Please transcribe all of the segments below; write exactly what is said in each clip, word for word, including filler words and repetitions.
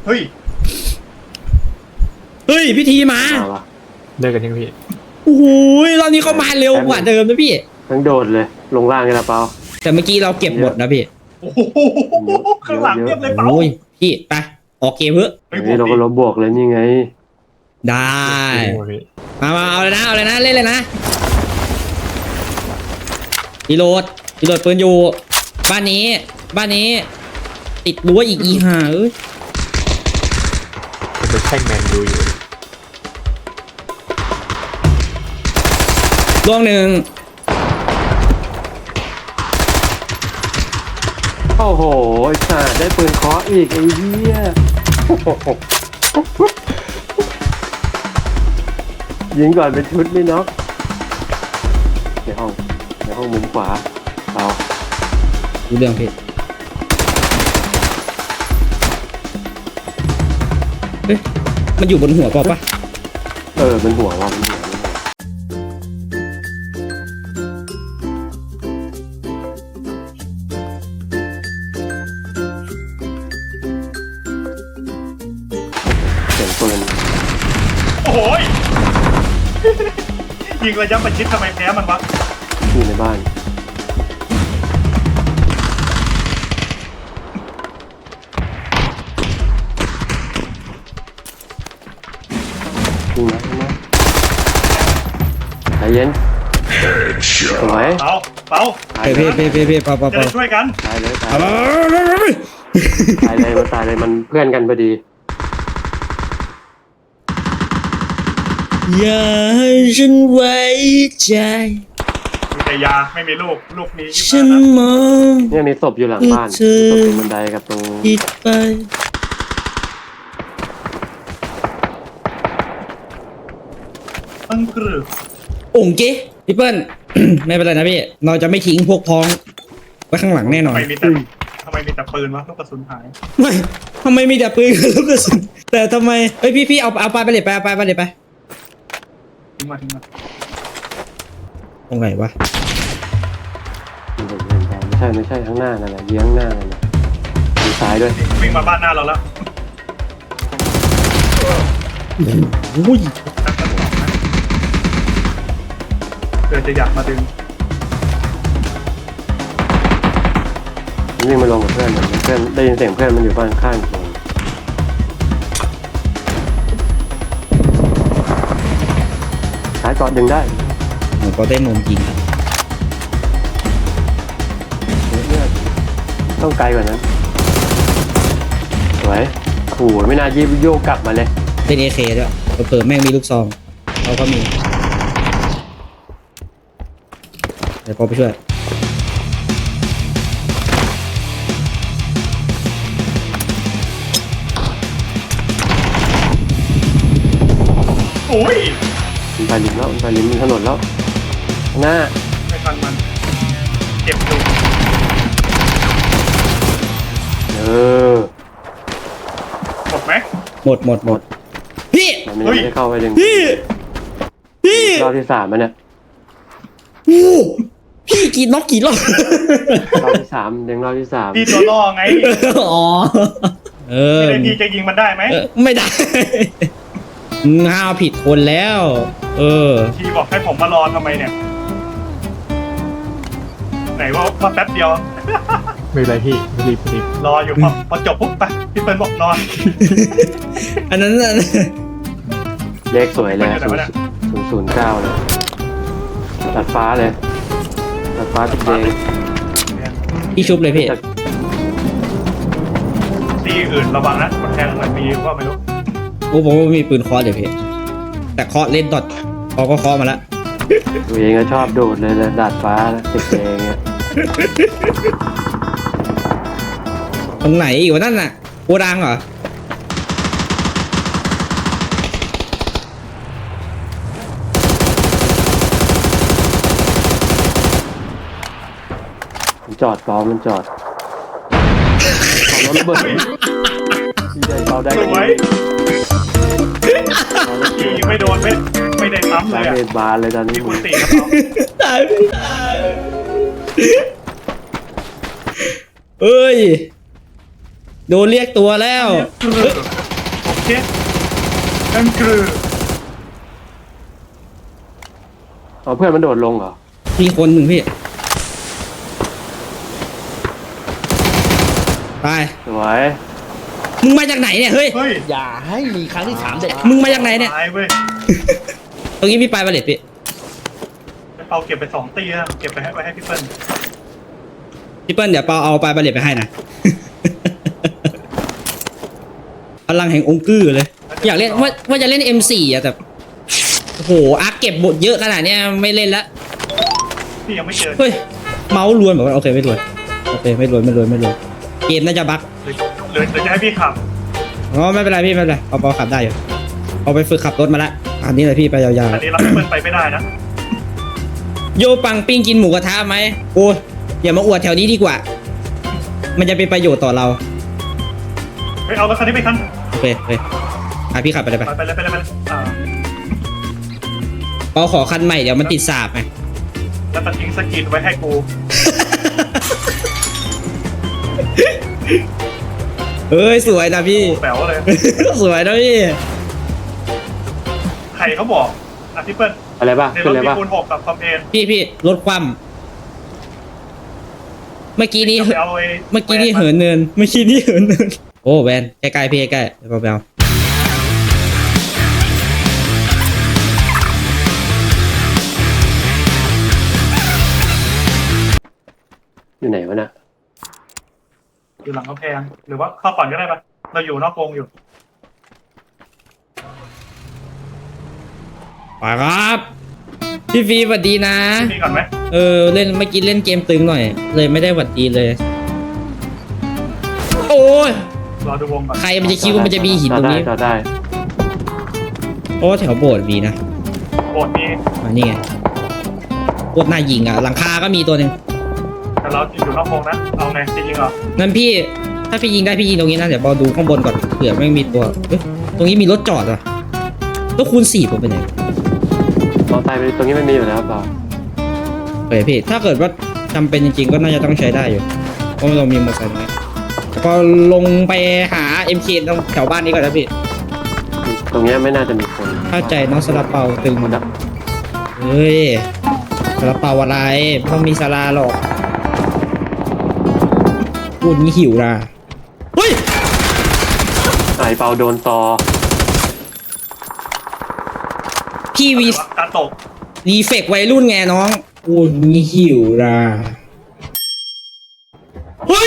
เฮ้ยเฮ้ยพี่ทีมาเดินกันยังพี่โอ้โหรอบนี้เขามาเร็วกว่าเดิมนะพี่ทั้งโดดเลยลงล่างกันละเปล่าแต่เมื่อกี้เราเก็บหมดนะพี่โอ้โหข้างหลังเรียบเลยเปล่าพี่ไปออกเกมเถอะนี่เราก็ลบบวกเลยนี่ไงได้มามาเอาเลยนะเอาเลยนะเล่นเลยนะรีโหลดรีโหลดปืนอยู่บ้านนี้บ้านนี้ติดรั้วอีกอีห่าเอ้ยเป็นแท่งแมนยูอยู่ล่วงหนึ่งโอ้โหไอ้สัตว์ได้ปืนเคาะอีกไอ้เหี้ยยิงก่อนเป็นชุดนี่เนาะในห้องในห้องมุมขวาเอาดูเรื่องเพชรเฮ้ยมันอยู่บนหัวเปล่าปะเออเป็นหัวว่าเป็นหัวเสียงปืนโอ้โหยิงระยะประชิดทำไมแพ้มันวะอยู่ในบ้านยิงนะยิงนะใจเย็นสวยเปาเปาเพ่เพ่เพ่เพ่เปาเปาจะช่วยกันตายเลยตายเลยตายเลยมันตายเลยมันเพื่อนกันพอดีอย่าให้ฉันไว้ใจมีแต่ยาไม่มีลูกลูกนี้ฉันมองเนี่ยมีศพอยู่หลังบ้านศพตรงบันไดกับตรงคิดไปอังกฤษองค์เจ๊พี่เปิ้ล ไม่เป็นไรนะพี่เราจะไม่ทิ้งพวกพ้องไว้ข้างหลังแน่นอนทำไมมีแต่ทำไมมีแต่ปืนวะลูกกระสุนหายไม่ทำไมมีแต่ปืนกับลูกกระสุนแต่ทำไมเฮ้ยพี่พี่เอาเอาปลาไปเลยไปเอาปลาไปเลยไปทิ้งมาทิ้งมาตรงไหนวะไม่ใช่ไม่ใช่ข้างหน้านั่นแหละเยื้องหน้านั่นแหละมีซ้ายด้วยวิ่งมาบ้านหน้าเราแล้วอุ้ยเกิดจะอยากมาดึงวิ่งมาลงกับเพื่อนเหมือนเพื่อนได้ยินเสียงเพื่อนมันอยู่บ้านข้างผมซ้ายเกาะดึงได้ผมก็ได้นมจริงต้องไกลกว่านั้นสวยโอ้โหไม่น่ายิบโยกกลับมาเลยเป็นเอเคด้วยเผื่อแม่งมีลูกซองเขาก็มีเดี๋ยวพอไปช่วยโอ้ยมันไปริมแล้วมันไปริมถนนแล้วหน้าไม่ทันมันเจ็บอยู่เออหมดไหมหมดหมดหมดพี่มันไม่ได้เข้าไปดึงพี่พี่รอบที่สามมันเนี่ยโอ้พี่กี่น็อกกี่รอบรอบที่สามดึงรอบที่สามพี่ตัวล่อไงอ๋อเออไม่ได้พี่จะยิงมันได้ไหมไม่ได้ห้าวผิดคนแล้วเออพี่บอกให้ผมมารอทำไมเนี่ยไหนว่ามาแป๊บเดียวไม่เป็นไรพี่รีบรีบรออยู่พอพอจบปุ๊บไปพี่เปิ้ลบอกนอนอันนั้นเลขสวยเลยศูนย์ศูนย์เก้าเลยตัดฟ้าเลยตัดฟ้าติดแดงพี่ชุบเลยพี่ตีอื่นระวังนะมันแทงเหมือนมีว่าไม่รู้โอ้ผมมีปืนเคาะเดี๋ยวพี่แต่เคาะเล่นดอทพอก็เคาะมาแล้วตัวเองก็ชอบโดดเลยเลยดาดฟ้าติดแดงเนี่ยตรงไหนอยู่นั่นน่ะโกดังเหรอมันจอดปอมันจอดเอารถระเบิดใหญ่เบาได้สวยขี่ไม่โดนไม่ไม่ได้ซ้ำเลยอ่ะบานเลยตอนนี้คุณตีครับเขาตายไม่ตายเอ้ยโดนเรียกตัวแล้วโอเคนั่นคืออ๋อเพื่อนมันโดดลงเหรอมีคนหนึ่งพี่ไปสวยมึงมาจากไหนเนี่ยเฮ้ยเฮ้ยอย่าให้มีครั้งที่สามเด็ดมึงมาจากไหนเนี่ยตายเว้ยตรงนี้พี่ปลายบาเลตพี่ไอ้เปาเก็บไปสองตีนะเก็บไปให้ไว้ให้พี่เปิ้ลพี่เปิ้ลเดี๋ยวเปาเอาปลายบาเลตไปให้นะ พลังแห่งองค์กือเลย อยากเล่นว่าว่าจะเล่น เอ็ม โฟร์ อะแต่โอ้โหอาร์คเก็บบทเยอะขนาดเนี้ยไม่เล่นละพี่ยังไม่เจอเฮ้ยเมาส์รวนบอกว่าโอเคไม่รวนโอเคไม่รวนไม่รวนไม่รวนเกมน่าจะบั๊กหรือหรือจะให้พี่ขับอ๋อไม่เป็นไรพี่ไม่เป็นไรเอาเปาขับได้อยู่เอาไปฝึกขับรถมาละอันนี้เลยพี่ไปยาวอันนี้เราพี่เปิ้ลไปไม่ได้นะๆโยปังปิ้งกินหมูกระทะไหมโอ้ยอย่ามาอวดแถวนี้ดีกว่า มันจะเป็นประโยชน์ต่อเราเฮ้ยเอารถคันนี้ไปคันโอเคโอเคอ่ะพี่ขับไปเลยไปไปไปเลยไปเลยไปเลยอ่าเปาขอคันใหม่เดี๋ยวมันติดสาบไงแล้วมันทิ้งสกินไว้ให้กูเอ้ยสวยนะพี่แป๋วเลยสวยนะพี่ใครเขาบอกอ่ะพี่เปิ้ลอะไรบ้างในรขึ้นถเลยมีป่ะคูณหกกับคอมเพนพี่พี่ลดความเมื่อกี้นี้จะไปเอาไอ้เมื่อกี้นี่เหินเนินเมื่อกี้นี่เหินเนินโอ้แวนใกล้ๆพี่ใกล้ๆเบาอยู่ไหนวะน่ะอยู่หลังกำแพงหรือว่าเข้าก่อนก็ได้ปะเราอยู่นอกวงอยู่ๆไปครับพี่ฟีสวัสดีนะพี่ก่อนไหมเออเล่นเมื่อกี้เล่นเกมตึงหน่อย เลยไม่ได้หวัดดีเลย โอ้ยรอดูวงก่อนใครมันจะคิดว่ามันจะมีหินตรงนี้จอดได้โอ้แถวโบสถ์มีนะโบสถ์นี้มานี่ไงโคตรน่ายิงอ่ะหลังคาก็มีตัวหนึ่งแต่เราอยู่นอกวงนะเอาไงจริงๆเหรองั้นพี่ถ้าพี่ยิงได้พี่ยิงตรงนี้นะเดี๋ยวบอดูข้างบนก่อนเผื่อไม่มีตัวเอ้ยตรงนี้มีรถจอดอ่ะแล้วคูณสี่ผมไปไหนเราตายไปตรงนี้ไม่มีอยู่แล้วเปล่าเฮ้ยพี่ถ้าเกิดว่าจำเป็นจริงๆก็น่าจะต้องใช้ได้อยู่เพราะเรามีมอเตอร์ไซค์นะก็ลงไปหา เอ็ม เค ตรงแถวบ้านนี้ก่อนนะพี่ตรงเนี้ยไม่น่าจะมีคนเข้าใจน้องซาลาเปาตึงมันดับเฮ้ยซาลาเปาอะไรไม่ต้องมีซาลาหรอกพูดงี้หิวนะเฮ้ยไอเปาโดนต่อพี่วีการตกรีเฟกวัยรุ่นไงน้องพูดงี้หิวนะเฮ้ย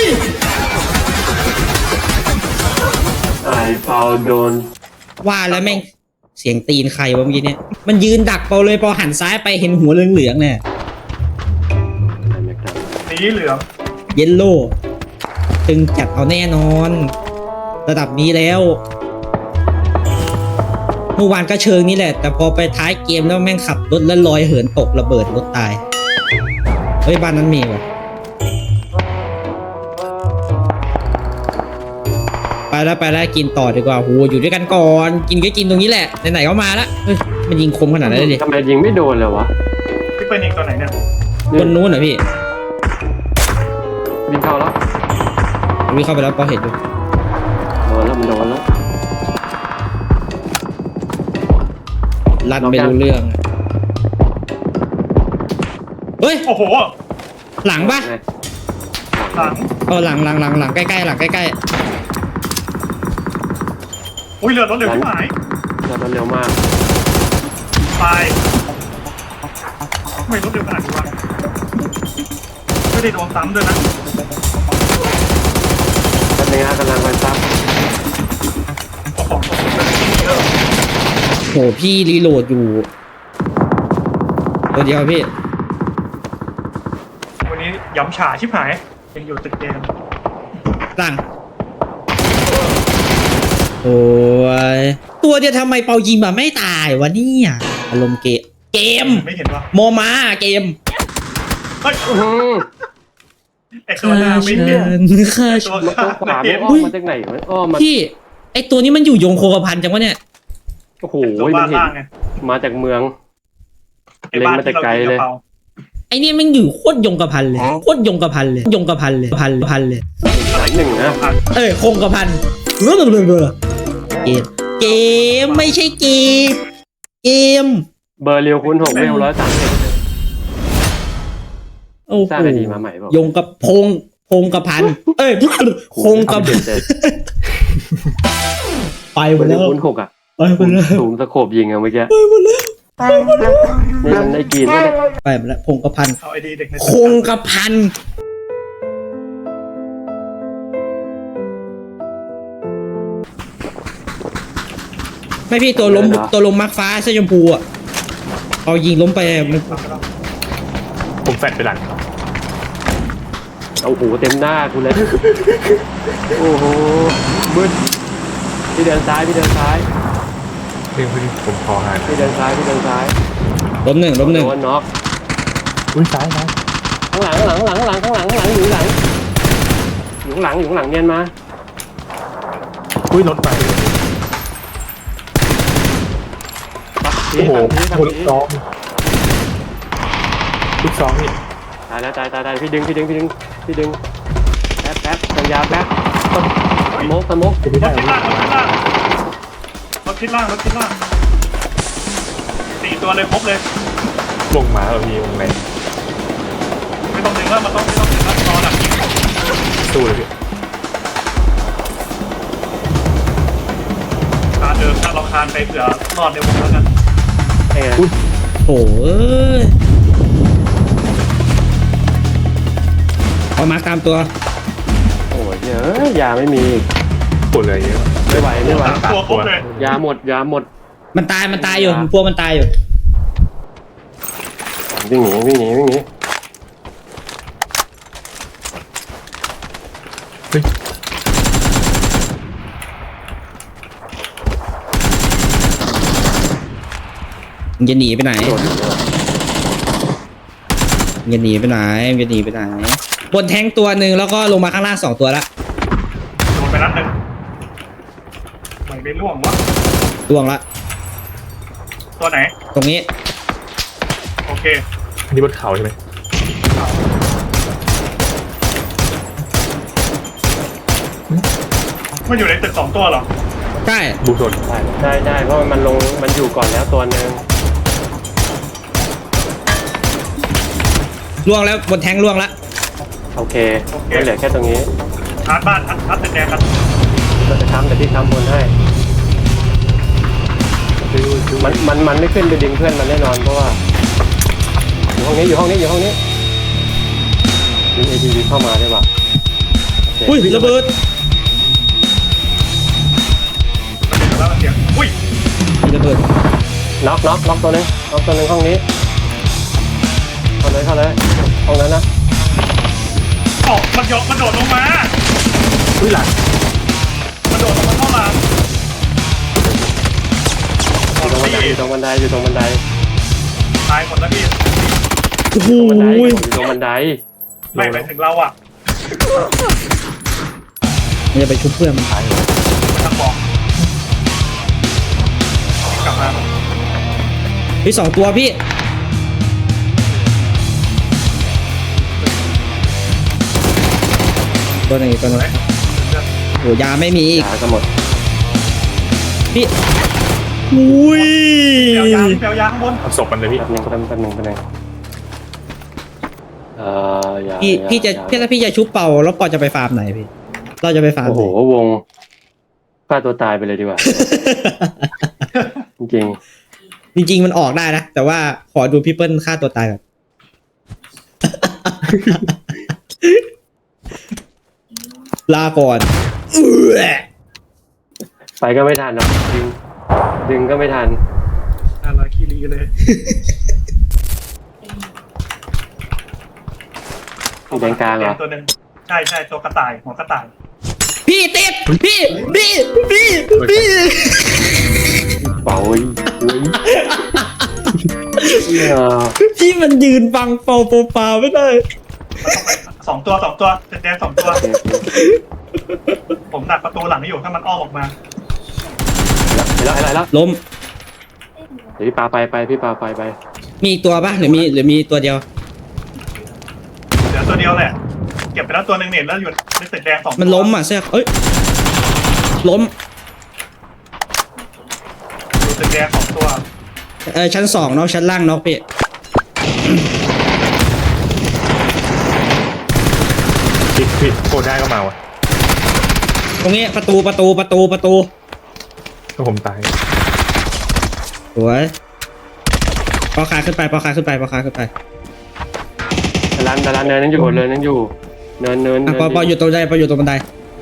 ไอเปาโดนว่าแล้วแม่งเสียงตีนใครวะเมื่อกี้เนี่ยมันยืนดักเปาเลยพอหันซ้ายไปเห็นหัวเหลืองๆเนี่ยไอแม็กดัมสีเหลืองเยลโล่ตึงจัดเอาแน่นอน ระดับนี้แล้วเมื่อวานก็เชิงนี่แหละ แต่พอไปท้ายเกมแล้วแม่งขับรถแล้วลอยเหินตกระเบิดรถตายเฮ้ยบ้านนั้นมีวะไปแล้วไปแล้วกินต่อดีกว่าโหอยู่ด้วยกันก่อนกินก็กินตรงนี้แหละไหนๆก็มาละเฮ้ยมันยิงคมขนาดนั้นเลยดิทำไมยิงไม่โดนเลยวะพี่เป็นอีกตัวไหนเนี่ยบนนู้นเหรอพี่วิ่งเข้าแล้ววิ่งเข้าไปแล้วพอเห็นดูโดนแล้วมันโดนแล้วลั่นไม่รู้เรื่องเฮ้ยโอ้โหหลังปะไงหลังเออหลังหลังหลังหลังใกล้ๆหลังใกล้อุ้ยเรือรถเร็วที่หายเราเร็วมากตายไม่รถเร็วขนาดนี้วะไม่ได้โดนซ้ำด้วยนะตอนนี้กำลังไปซับโอ้โหเยอะๆโหพี่รีโหลดอยู่ตัวเดียวพี่วันนี้ย้ำฉาชิบหายยังอยู่ตึกเกมหลังโอ้ยตัวเดียวทำไมเปายิงมาไม่ตายวะเนี่ยอารมณ์เกมเกมไม่เห็นวะโมมาเกมเฮ้ยอื้อหือไอ้ตัวหน้าไม่เห็นฆ่าไอ้ฉัตัวน ข้าขวาไม่ไม่เห็นอ้อมมาจากไหนวะอ้อมมาพี่ไอตัวนี้มันอยู่ยงโคกระพันจังวะเนี่ยโอ้โหตัวมับ้านนเห็นล่างไงมาจากเมืองไอ้บ้านเล็งมาแต่ที่เราไกลกินเลกะยเพราไอเนี่ยมันอยู่โคตรยงกระพันเลยโคตรยงกระพันเลยยงกระพันเลยพันพันเลยเราอีกหนึ่งนะเอ้ยคงกระพันเรื่องเรื่องเกมเกมไม่ใช่เกมเกมเบอร์เรียวคูณหกเวลร้อยสามสิบโอ้โหสร้างไอดีมาใหม่เปล่ายงกับพงพงกระพันเอ้ยคงกระพันไปหมเบอดร์เรีแล้ยววคูณหกอ่ะไปหมดแล้วสูงสโคบยิงอะเมื่อกี้ไปหมดแล้วนี่มันไอ้กรีนไม่ได้ไปหมดแล้วพงกระพันเอาไอดีเด็กในคงกระพันไม่พี่ตัวล้มตัวล้มมักฟ้าเสื้อชมพูอ่ะเอายิงล้มไปมันผมแฟดไปหลังโอ้โหเต็มหน้าคุณเลยโอ้โหบึ้นพี่เดินซ้ายพี่เดินซ้ายเรื่องพี่ผมคอหานพี่เดินซ้ายพี่เดินซ้ายล้มหนึ่งล้มหนึ่งโดนน็อกอุ้ยซ้ายซ้ายข้างหลังข้างหลังข้างหลังข้างหลังข้างหลังอยู่หลังอยู่ข้างหลังอยู่ข้างหลังเนียนมาอุ้ยรถไปทีโอ้โหทีโอ้โหทีลูกซองลูกซองนี่ตายแล้วตายตายตายพี่ดึงพี่ดึงพี่ดึงพี่ดึงแป๊บแป๊บสัญญาแป๊บสมกสมกจะไม่รได้ถหรทิอศล่างรถทิศล่างรถทิศล่างรถทิศล่างสี่ตัวเลยครบเลยลงมาแล้วพี่วงในไม่ต้องดึงแล้วมันต้องไม่ต้องดึงแล้วรอหลังยิงสู้เลยพี่คานเดิมถ้าเราคานไปเผื่อรอดในวงแล้วกันเอ้ยโอ้ยเอามาตามตัวโอ้ยเยอะยาไม่มีปวดเลยเยอะไม่ไหวไม่ไหวสามตัวครบเลยยาหมดยาหมดมันตายมันตายอยู่พวกมันตายอยู่วิ่งหนีวิ่งหนีวิ่งหนีเฮ้ยมึงจะหนีไปไหนโดดหนีเลยมึงจะหนีไปไหนมึงจะหนีไปไหนบนแท้งตัวหนึ่งแล้วก็ลงมาข้างล่างสองตัวละโดนไปนัดหนึ่งไม่ไปล่วงวะล่วงละตัวไหนตรงนี้โอเคอันนี้บนเขาใช่ไหมมันอยู่ในตึกสองตัวเหรอใช่บูชนได้ได้ได้เพราะมันลงมันอยู่ก่อนแล้วตัวหนึ่งล่วงแล้วบนแท้งล่วงละโอเคมันเหลือแค่ตรงนี้ชาร์จบ้านชาร์จชาร์จตึกแดงกันเราจะค้ำแต่พี่ค้ำบนให้ดูดูมันมันมันไม่ขึ้นไปดึงเพื่อนมันแน่นอนเพราะว่าอยู่ห้องนี้อยู่ห้องนี้อยู่ห้องนี้ดึงเอทีวีเข้ามาได้ปะโอเคอุ้ยระเบิดมันเป็นแล้วมันเสียงอุ้ยระเบิดน็อกน็อกน็อกตัวหนึงน็อกตัวหนึงห้องนี้เข้าเลยเข้าเลยห้องนั้นนะออกมันโยนมันโดดลงมาอุ้ยหลังมันโดดลงมาเข้ามาอยู่ตรงบันไดอยู่ตรงบันไดอยู่ตรงบันไดตายหมดแล้วพี่โอ้โหตรงบันไดอยู่ตรงบันไดไม่ไปถึงเราอ่ะมันจะไปชุบเพื่อนมันมันทางบอกกลับมาพี่สองตัวพี่ตัวหนึ่งอีกตัวหนึ่งโอ้ยาไม่มีอีกยาก็หมดพี่อุ้ยเปียวยางเปียวยางข้างบนเอาศพมันเลยพี่แป๊บนึงแป๊บนึงแป๊บนึงแป๊บนึงเอ่อยาพี่ยาพี่จะยาพี่ถ้าพี่จะชุบเป่าแล้วปอจะไปฟาร์มไหนพี่เราจะไปฟาร์มโอ้ไหโหนวงฆ่าตัวตายไปเลยดีกว่า จริงจริงๆมันออกได้นะ แต่ว่าขอดูพี่เปิ้ลฆ่าตัวตายก่อน ลาก่อนเอื้อๆไปก็ไม่ทันหรอกดึงดึงก็ไม่ทันอะไรคีรีเลยมีแดงกลางเหรอตัวหนึ่งใช่ใช่ตัวกระต่ายหัวกระต่ายพี่ติดพี่พี่พี่พี่เป่าอุ้ยอุ้ยเออพี่มันยืนฟังเป่าเป่าเป่าไม่ได้สองตัวสองตัวตึกแดงสองตัวโอเคโอเคผมดักประตูหลังอยู่ถ้ามันอ้อมออกมาเห็นแล้วเห็นแล้วเห็นแล้วล้มเดี๋ยวพี่ปาไปไปพี่ปาไปไปมีอีกตัวปะหรือมีหรือมีตัวเดียวเหลือตัวเดียวแหละเก็บไปแล้วตัวหนึ่งเนี่ยแล้วอยู่ในตึกแดงสองตัวมันล้มอ่ะเสื้อเอ้ยล้มอยู่ตึกแดงสองตัวเออชั้นสองเนาะชั้นล่างเนาะพี่ผิดผิดโคตรได้ก็มาวะตรงนี้ประตูประตูประตูประตูก็ผมตายสวยปอขาขึ้นไปปอขาขึ้นไปปอขาขึ้นไปดารันดารันเนินนั่งอยู่เนินนั่งอยู่เนินเนินอ่ะเนินปอปออยู่ตรงบันไดปออยู่ตรงบันได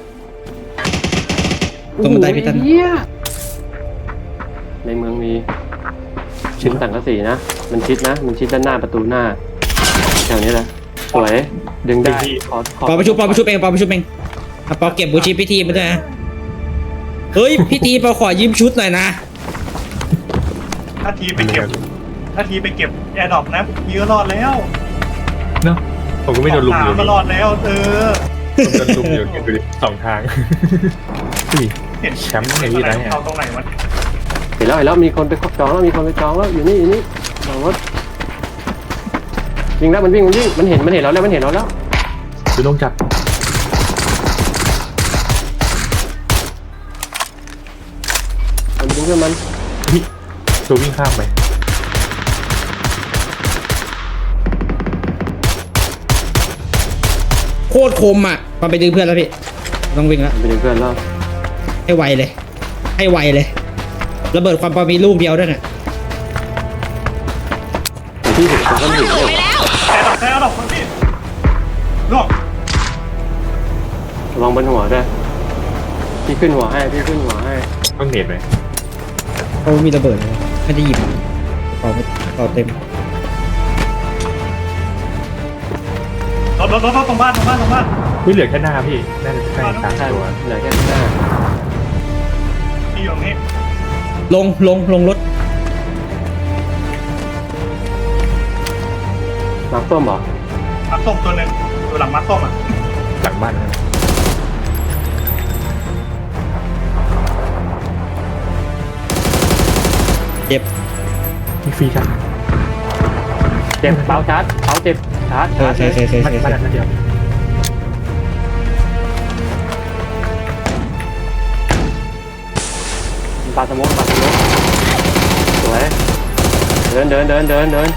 ตรงบันไดพี่ตันโอ้โหเหี้ยในเมืองมีชิ้นสังกะสีนะมันชิดนะมันชิดด้านหน้าประตูหน้าแถวนี้แหละสวยดึงได้ขอขอปอประชุมปอประชุมเองปอประชุมเองอ่ะปอเก็บบูชีพิธีมาด้วยนะเฮ้ยพิธีปอขอยืมชุดหน่อยนะถ้าทีไปเก็บถ้าทีไปเก็บแอร์ดรอปนะพี่ก็รอดแล้วเนาะผมก็ไม่โดนลุมอยู่สามก็รอดแล้วเออผมโดนลุมอยู่ดูดิสองทางอุ้ยเห็นแชมป์ไงพี่นะเนี่ยเอาตรงไหนวะเห็นแล้วเห็นแล้วมีคนไปจองแล้วมีคนไปจองแล้วอยู่นี่อยู่นี่หลังรถวิ่งแล้วมันวิ่งมันวิ่งมันเห็นมันเห็นเราแล้วมันเห็นเราแล้วดูลงจับมันดึงเพื่อนมันพี่ตัววิ่งข้ามไปโคตรคมอ่ะปอไปดึงเพื่อนแล้วพี่ต้องวิ่งแล้วมันดึงเพื่อนแล้วให้ไวเลย ให้ไวเลยระเบิดความปอมีลูกเดียวด้วยน่ะแต่ที่เห็นคนก็ไม่เห็นเลยแอร์ดรอปแอร์ดรอปคนพี่ล่วงระวังบนหัวด้วยพี่ขึ้นหัวให้พี่ขึ้นหัวให้ต้องเน็ตไหมเขามีระเบิดเลยไม่ได้หยิบปอไม่ปอเต็มรถรถรถรถตรงบ้านตรงบ้านตรงบ้านไม่เหลือแค่หน้าพี่น่าจะใกล้สามใช่ตัวเหลือแค่หน้าพี่อยู่ตรงนี้ลงลงลงรถมาร์คส้มเหรอมัดส้มตัวหนึ่งตัวหลังมัดส้มอ่ะหลังบ้านนะเจ็บมีฟรีครับเจ็บเป้าชาร์จเป้าเจ็บชาร์จเคยชาร์จเคยเคยเคยบ้านเคยบ้านนั้นเดียวปาสโมกปาสโมกสวยเดินเดินเดินเดินเดิน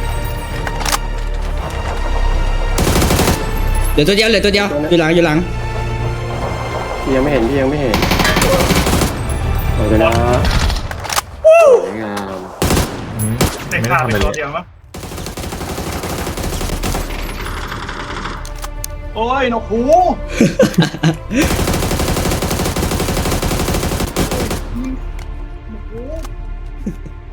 เหลือตัวเดียวเหลือตัวเดียวอยู่หลังอยู่หลังพี่ยังไม่เห็นพี่ยังไม่เห็นเอาเลยนะสวยงามอืมเด็กไม่ขาดทำไปอะไรตัวเลยเดียวมั้งโอ้ยนกหูนกหู